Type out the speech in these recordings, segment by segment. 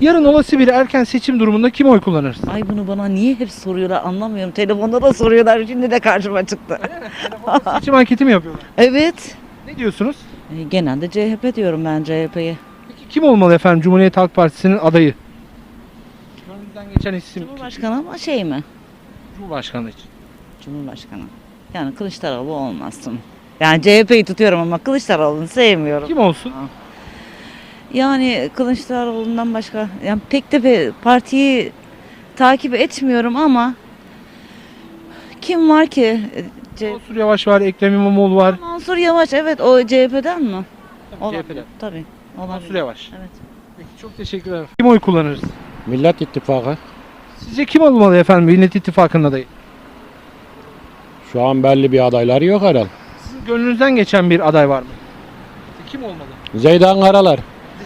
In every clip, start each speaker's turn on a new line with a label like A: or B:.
A: Yarın olası bir erken seçim durumunda kim oy kullanırsın?
B: Ay bunu bana niye hep soruyorlar anlamıyorum. Telefonda da soruyorlar. Şimdi de karşıma çıktı.
A: Seçim anketi mi yapıyorlar?
B: Evet.
A: Ne diyorsunuz?
B: Genelde CHP diyorum ben CHP'ye.
A: Peki kim olmalı efendim Cumhuriyet Halk Partisi'nin adayı? Gönlünüzden geçen isim.
B: Cumhurbaşkanı ama şey mi?
A: Cumhurbaşkanı için.
B: Cumhurbaşkanı. Yani Kılıçdaroğlu olmasın. Yani CHP'yi tutuyorum ama Kılıçdaroğlu'nu sevmiyorum.
A: Kim olsun?
B: Yani Kılıçdaroğlu'ndan başka yani pek de bir partiyi takip etmiyorum ama kim var ki?
A: Mansur Yavaş var, Ekrem İmamoğlu var.
B: Mansur Yavaş evet o CHP'den mi?
A: CHP'den.
B: Tabii.
A: Mansur
B: Olabilir.
A: Yavaş.
B: Evet.
A: Peki çok teşekkür ederim. Kim oy kullanırız?
C: Millet İttifakı
A: Sizce kim olmalı efendim Millet İttifakı'nın adayı?
C: şu an belli bir adayları yok herhalde.
A: Sizin gönlünüzden geçen bir aday var mı? Kim olmalı?
C: Zeydan Karalar.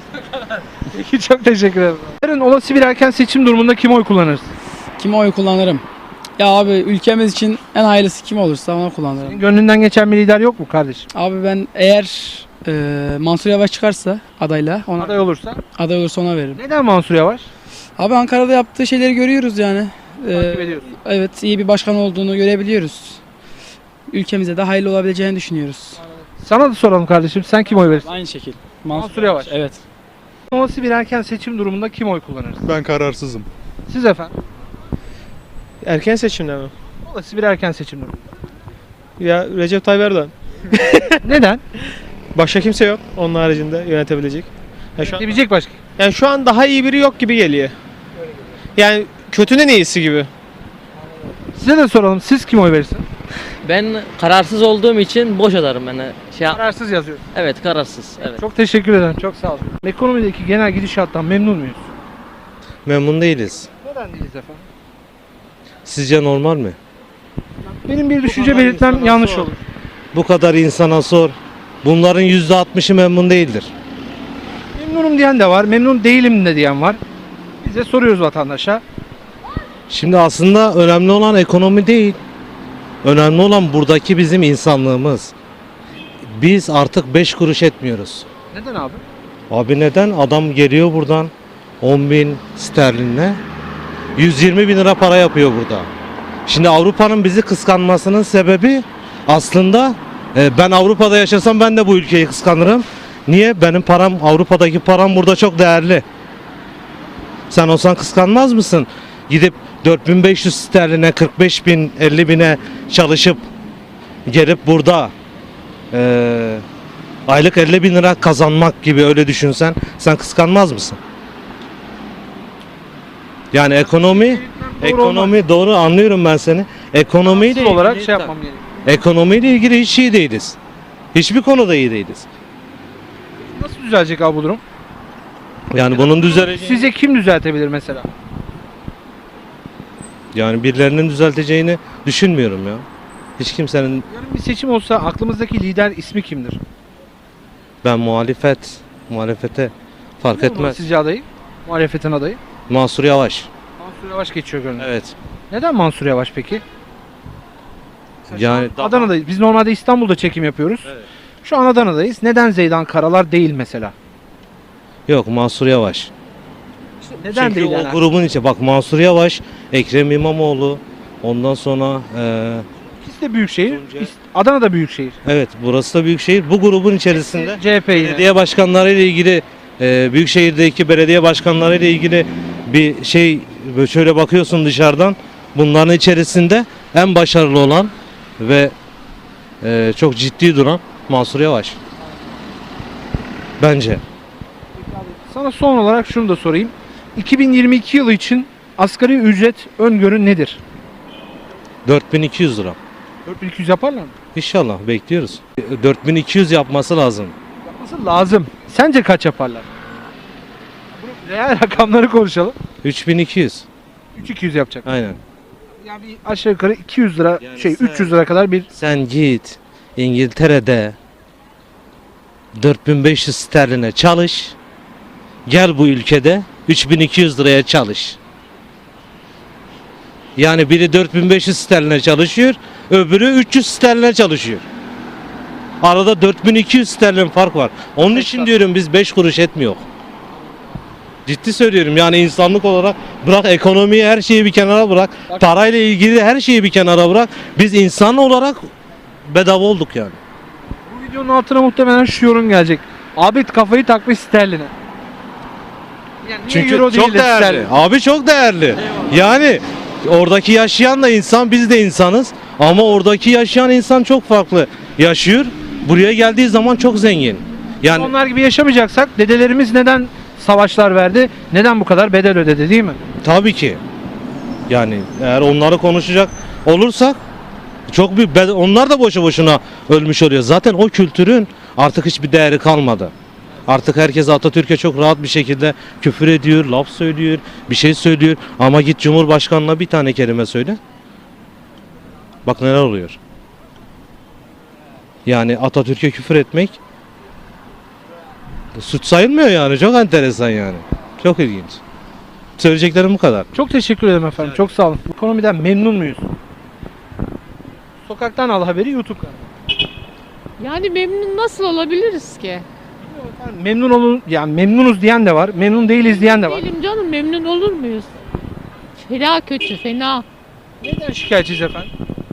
A: Peki çok teşekkür ederim. Yarın olası bir erken seçim durumunda kim oy kullanırız?
D: Kime oy kullanırım? Ya abi ülkemiz için en hayırlısı kim olursa ona kullanırım.
A: Senin gönlünden geçen bir lider yok mu kardeşim?
D: Abi ben eğer Mansur Yavaş çıkarsa adayla ona
A: Aday olursa.
D: aday olursa ona veririm.
A: Neden Mansur Yavaş?
D: Abi Ankara'da yaptığı şeyleri görüyoruz yani.
A: Takip ediyorsun.
D: Evet iyi bir başkan olduğunu görebiliyoruz. Ülkemize de hayırlı olabileceğini düşünüyoruz.
A: Sana da soralım kardeşim. Sen kim oy verirsin?
D: Aynı şekil.
A: Mansur Yavaş.
D: Evet.
A: Olası bir erken seçim durumunda kim oy kullanırız?
E: Ben kararsızım.
A: Siz efendim.
F: Erken seçimde mi?
A: Olası bir erken seçim durumu.
F: Ya Recep Tayyip Erdoğan.
A: Neden?
F: Başka kimse yok onun haricinde yönetebilecek.
A: Diyebilecek başka.
F: Yani şu an daha iyi biri yok gibi geliyor. Yani kötünün iyisi gibi.
A: Size de soralım. Siz kim oy verirsiniz?
G: Ben kararsız olduğum için boş atarım ben.
A: Kararsız yazıyor.
G: Evet kararsız. Evet.
A: Çok teşekkür ederim. Çok sağ olun. Ekonomideki genel gidişattan memnun muyuz?
H: Memnun değiliz.
A: Neden değiliz efendim?
H: Sizce normal mi?
A: Benim bir düşünce belirtmem yanlış olur.
H: Bu kadar insana sor. Bunların %60'ı memnun değildir.
A: Memnunum diyen de var, memnun değilim de diyen var. Biz de soruyoruz vatandaşa.
H: Şimdi aslında önemli olan ekonomi değil. Önemli olan buradaki bizim insanlığımız. Biz artık 5 kuruş etmiyoruz.
A: Neden abi?
H: Abi neden? Adam geliyor buradan 10.000 sterlinle 120.000 lira para yapıyor burada. Şimdi Avrupa'nın bizi kıskanmasının sebebi aslında ben Avrupa'da yaşasam ben de bu ülkeyi kıskanırım. Niye? Benim param, Avrupa'daki param burada çok değerli. Sen olsan kıskanmaz mısın? Gidip 4.500 sterline, 45.000, 50.000'e çalışıp gelip burada aylık 50.000 lira kazanmak gibi öyle düşünsen sen kıskanmaz mısın? Yani ekonomi doğru anlıyorum ben seni. Ekonomiyle
A: Asıl olarak
H: ilgili-
A: şey yapmam gerekiyor.
H: Ekonomiyle ilgili hiç iyi değiliz. Hiçbir konuda iyi değiliz.
A: Nasıl düzelecek abi bu durum?
H: Yani bunun düzeleceğini,
A: Sizce kim düzeltebilir mesela?
H: yani birilerinin düzelteceğini düşünmüyorum ya. Hiç kimsenin,
A: Yarın bir seçim olsa aklımızdaki lider ismi kimdir?
H: ben muhalefete fark
A: Kim olmalı
H: etmez.
A: sizce adayı? Muhalefetin adayı.
H: Mansur Yavaş.
A: Mansur Yavaş geçiyor gönlünde.
H: Evet.
A: Neden Mansur Yavaş peki?
H: Yani
A: Adana'dayız. Biz normalde İstanbul'da çekim yapıyoruz. Şu an Adana'dayız. Neden Zeydan Karalar değil mesela?
H: yok Mansur Yavaş.
A: Neden
H: Çünkü
A: değil
H: o
A: yani?
H: grubun içi. Bak Mansur Yavaş, Ekrem İmamoğlu, ondan sonra
A: İkisi de büyük şehir.
H: Tuncay.
A: Adana da büyük şehir.
H: evet burası da büyükşehir. Bu grubun içerisinde
A: CHP yine.
H: belediye başkanları ile ilgili büyükşehirdeki belediye başkanları ile ilgili bir şey böyle şöyle bakıyorsun dışarıdan bunların içerisinde en başarılı olan ve çok ciddi duran Mansur Yavaş. Bence.
A: Sana son olarak şunu da sorayım. 2022 yılı için asgari ücret öngörü nedir?
H: 4200 lira.
A: 4200 yaparlar mı?
H: İnşallah bekliyoruz. 4200 yapması lazım.
A: Yapması lazım. Sence kaç yaparlar? Bu reel rakamları konuşalım.
H: 3200.
A: 3200 yapacak.
H: Aynen.
A: Yani bir aşağı yukarı 200 lira
H: Yani
A: 300 lira kadar bir
H: Sen git İngiltere'de 4500 sterline çalış. Gel bu ülkede 3200 liraya çalış. Yani biri 4500 sterline çalışıyor, öbürü 300 sterline çalışıyor. Arada 4200 sterlin fark var. Onun için diyorum biz 5 kuruş etmiyor. Ciddi söylüyorum, yani insanlık olarak bırak ekonomiyi, her şeyi bir kenara bırak. Parayla ilgili her şeyi bir kenara bırak. Biz insan olarak bedava olduk yani.
A: Bu videonun altına muhtemelen şu yorum gelecek. Abi kafayı takmış sterline. Yani niye
H: Çünkü
A: euro değil
H: çok
A: de
H: değerli.
A: sterlin?
H: Abi çok değerli. Yani oradaki yaşayan da insan, biz de insanız. Ama oradaki yaşayan insan çok farklı yaşıyor. Buraya geldiği zaman çok zengin. Yani
A: Onlar gibi yaşamayacaksak dedelerimiz neden savaşlar verdi? Neden bu kadar bedel ödedi değil mi?
H: tabii ki. Yani eğer onları konuşacak olursak çok büyük onlar da boşu boşuna ölmüş oluyor. Zaten o kültürün artık hiçbir değeri kalmadı. Artık herkes Atatürk'e çok rahat bir şekilde küfür ediyor, laf söylüyor, bir şey söylüyor. Ama git Cumhurbaşkanı'na bir tane kelime söyle. Bak neler oluyor. Yani Atatürk'e küfür etmek suç sayılmıyor yani. Çok enteresan yani. Çok ilginç. Söyleyeceklerim bu kadar.
A: Çok teşekkür ederim efendim. Çok sağ olun. Ekonomiden memnun muyuz? Sokaktan Al Haberi YouTube kanalı.
E: Yani memnun nasıl olabiliriz ki?
A: Efendim, memnun olun, yani memnunuz diyen de var, memnun değiliz diyen de var.
E: Değilim canım, memnun olur muyuz? Fena kötü, fena.
A: Neden şikayetçiyiz efendim?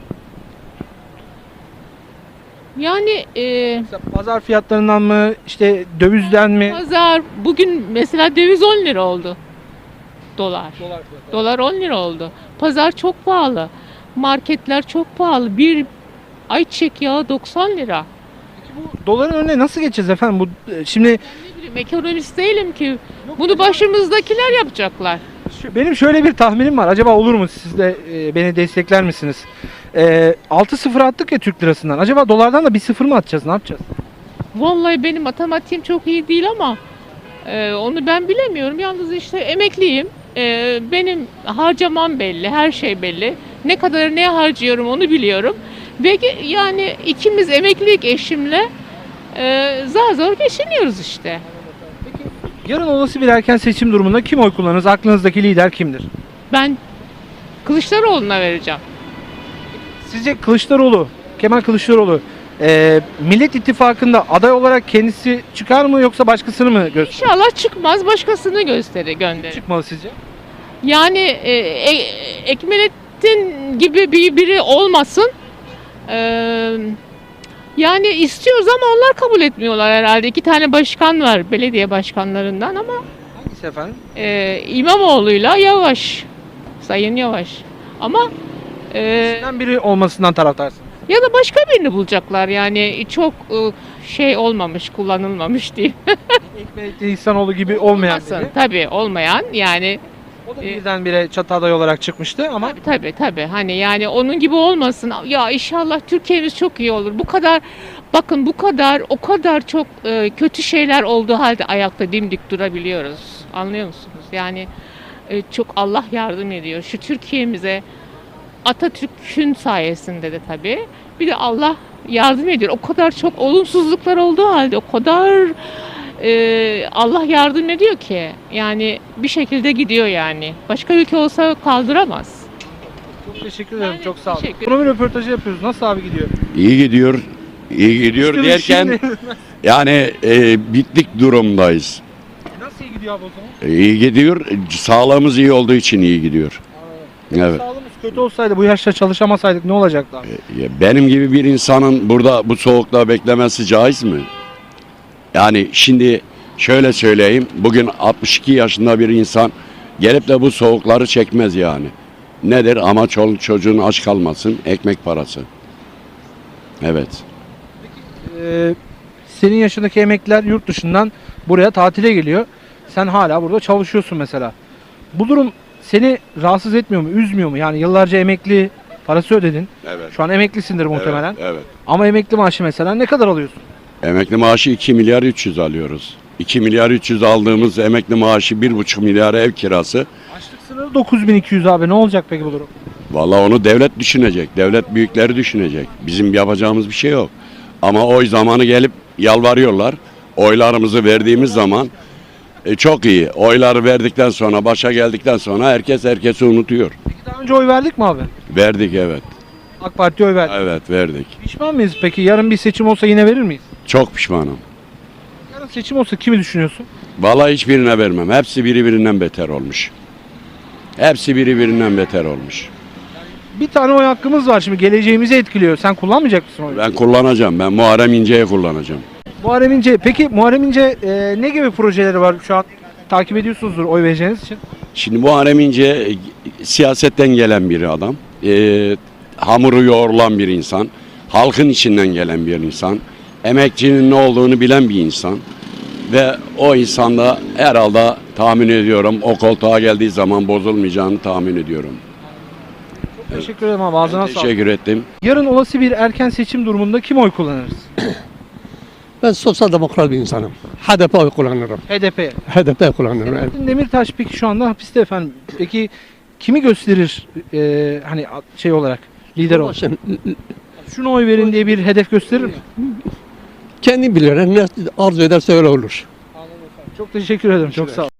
E: Yani
A: Mesela pazar fiyatlarından mı, işte dövizden mi?
E: pazar bugün mesela döviz 10 lira oldu. Dolar. Dolar 10 lira oldu. Pazar çok pahalı. Marketler çok pahalı. Bir ayçiçek yağı 90 lira.
A: Bu doların önüne nasıl geçeceğiz efendim? Bu şimdi
E: Ne bileyim, ekonomist değilim ki. Bunu başımızdakiler yapacaklar.
A: benim şöyle bir tahminim var. Acaba olur mu? Siz de beni destekler misiniz? 6-0 attık ya Türk lirasından. Acaba dolardan da bir 0 mı atacağız? Ne yapacağız?
E: Vallahi benim matematiğim çok iyi değil ama onu ben bilemiyorum. Yalnız işte emekliyim. Benim harcamam belli, her şey belli. Ne kadar ne harcıyorum onu biliyorum. Ve yani ikimiz emeklilik eşimle zar zor geçiniyoruz işte.
A: Yarın olası bir erken seçim durumunda kim oy kullanırız? Aklınızdaki lider kimdir?
E: Ben Kılıçdaroğlu'na vereceğim.
A: Sizce Kılıçdaroğlu, Kemal Kılıçdaroğlu Millet İttifakı'nda aday olarak kendisi çıkar mı yoksa başkasını mı gösterir?
E: İnşallah çıkmaz, başkasını gönderir.
A: Çıkmalı sizce?
E: Yani Ekmelettin gibi biri olmasın. Yani istiyoruz ama onlar kabul etmiyorlar herhalde. 2 tane başkan var belediye başkanlarından ama
A: Hangisi efendim?
E: İmamoğlu'yla Yavaş. Sayın Yavaş. Ama
A: Sizden biri olmasından taraftarsın.
E: ya da başka birini bulacaklar yani çok şey olmamış, kullanılmamış diyeyim.
A: Ekmelettin İhsanoğlu gibi olmayan biri.
E: Tabii olmayan yani
A: O da birdenbire çatı aday olarak çıkmıştı ama
E: tabii hani yani onun gibi olmasın. Ya inşallah Türkiye'miz çok iyi olur. Bu kadar bakın o kadar çok kötü şeyler olduğu halde ayakta dimdik durabiliyoruz. Anlıyor musunuz? Yani çok Allah yardım ediyor. Şu Türkiye'mize Atatürk'ün sayesinde de tabii. Bir de Allah yardım ediyor. O kadar çok olumsuzluklar olduğu halde o kadar Allah yardım ediyor ki yani bir şekilde gidiyor yani. Başka ülke olsa kaldıramaz.
A: çok teşekkür ederim.
E: Yani
A: Çok sağ olun.
E: teşekkür
A: Ekonomi röportajı yapıyoruz. Nasıl abi gidiyor?
I: İyi gidiyor. İyi gidiyor
A: Şimdi-
I: derken yani bitlik durumdayız.
A: Nasıl iyi gidiyor abi o zaman?
I: İyi gidiyor. Sağlığımız iyi olduğu için iyi gidiyor. Evet.
A: Sağlığımız kötü olsaydı bu yaşta çalışamasaydık ne olacaktı abi?
I: Benim gibi bir insanın burada bu soğukta beklemesi caiz mi? Yani şimdi şöyle söyleyeyim. Bugün 62 yaşında bir insan gelip de bu soğukları çekmez yani. Nedir? Ama çoluk çocuğun aç kalmasın. Ekmek parası. Evet.
A: Senin yaşındaki emekliler yurt dışından buraya tatile geliyor. Sen hala burada çalışıyorsun mesela. Bu durum seni rahatsız etmiyor mu, üzmüyor mu? Yani yıllarca emekli parası ödedin.
I: Evet.
A: Şu an emeklisindir muhtemelen.
I: Evet.
A: Ama emekli maaşı mesela ne kadar alıyorsun?
I: Emekli maaşı 2 milyar 300 alıyoruz. 2 milyar 300 aldığımız emekli maaşı 1,5 milyar ev kirası.
A: Açlık sınırı 9200 abi. Ne olacak peki bu durum?
I: Vallahi onu devlet düşünecek. Devlet büyükleri düşünecek. Bizim yapacağımız bir şey yok. Ama oy zamanı gelip yalvarıyorlar. Oylarımızı verdiğimiz zaman çok iyi. Oyları verdikten sonra, başa geldikten sonra herkes herkesi unutuyor.
A: Peki daha önce oy verdik mi abi?
I: Verdik evet.
A: AK Parti'ye oy verdik.
I: Evet verdik.
A: Pişman mıyız peki? Yarın bir seçim olsa yine verir miyiz?
I: Çok pişmanım.
A: Yarın seçim olsa kimi düşünüyorsun?
I: Vallahi hiçbirine vermem. Hepsi birbirinden beter olmuş. Hepsi birbirinden beter olmuş.
A: Bir tane oy hakkımız var şimdi, geleceğimizi etkiliyor. Sen kullanmayacak mısın oyu?
I: Ben kullanacağım. Ben Muharrem İnce'yi kullanacağım.
A: Muharrem İnce, peki Muharrem İnce ne gibi projeleri var şu an takip ediyorsunuzdur oy vereceğiniz için?
I: Şimdi Muharrem İnce siyasetten gelen bir adam. Hamuru yoğrulan bir insan. Halkın içinden gelen bir insan. Emekçinin ne olduğunu bilen bir insan. Ve o insanda herhalde tahmin ediyorum o koltuğa geldiği zaman bozulmayacağını tahmin ediyorum.
A: Teşekkür ederim abi, ağzına sağlık.
I: Teşekkür ettim.
A: Yarın olası bir erken seçim durumunda kim oy kullanırız?
J: Ben sosyal demokrat bir insanım. HDP oy kullanırım.
A: HDP.
J: HDP kullanırım. Evet.
A: Selahattin Demirtaş peki şu anda hapiste efendim. Peki kimi gösterir hani şey olarak, lider olarak?
J: Şimdi
A: Şuna oy verin diye bir hedef gösterir mi?
J: kendi bilir. Ne arzu ederse öyle olur.
A: Çok teşekkür ederim. Çok sağ ol.